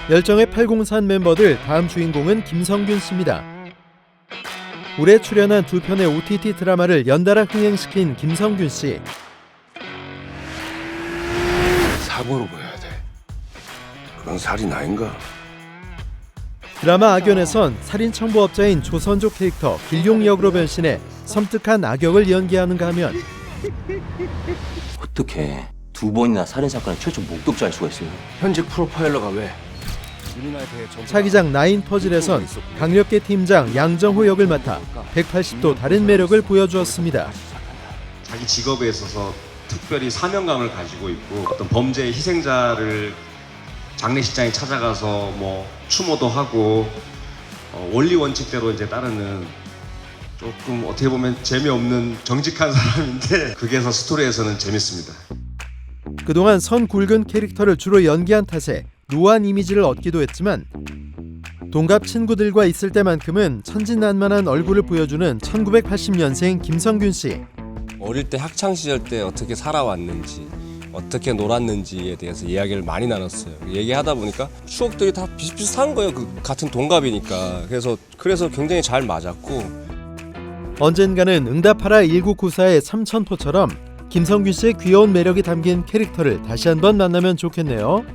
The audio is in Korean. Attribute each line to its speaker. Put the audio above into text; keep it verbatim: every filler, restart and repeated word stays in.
Speaker 1: 열정의 팔공산 멤버들 다음 주인공은 김성균 씨입니다. 올해 출연한 두 편의 오티티 드라마를 연달아 흥행시킨 김성균 씨.
Speaker 2: 사고로 보여야 돼. 그건 살인 아닌가?
Speaker 1: 드라마 악연에선 살인 청부업자인 조선조 캐릭터 길용 역으로 변신해 섬뜩한 악역을 연기하는가 하면
Speaker 3: 어떻게 두 번이나 살인 사건의 최초 목격자일 수가 있어요?
Speaker 2: 현직 프로파일러가 왜?
Speaker 1: 차기작 나인 퍼즐에선 강력계 팀장 양정호 역을 맡아 백팔십 도 다른 매력을 보여주었습니다.
Speaker 4: 자기 직업에 있어서 특별히 사명감을 가지고 있고 어떤 범죄의 희생자를 장례식장에 찾아가서 뭐 추모도 하고 어, 원리 원칙대로 이제 따르는 조금 어떻게 보면 재미없는 정직한 사람인데 그게서 스토리에서는 재밌습니다.
Speaker 1: 그동안 선 굵은 캐릭터를 주로 연기한 탓에 노안 이미지를 얻기도 했지만 동갑 친구들과 있을 때만큼은 천진난만한 얼굴을 보여주는 천구백팔십 년생 김성균 씨.
Speaker 5: 어릴 때 학창 시절 때 어떻게 살아왔는지 어떻게 놀았는지에 대해서 이야기를 많이 나눴어요. 얘기하다 보니까 추억들이 다 비슷비슷한 거예요. 그 같은 동갑이니까. 그래서 그래서 굉장히 잘 맞았고
Speaker 1: 언젠가는 응답하라 일구구사의 삼천포처럼 김성균 씨의 귀여운 매력이 담긴 캐릭터를 다시 한번 만나면 좋겠네요.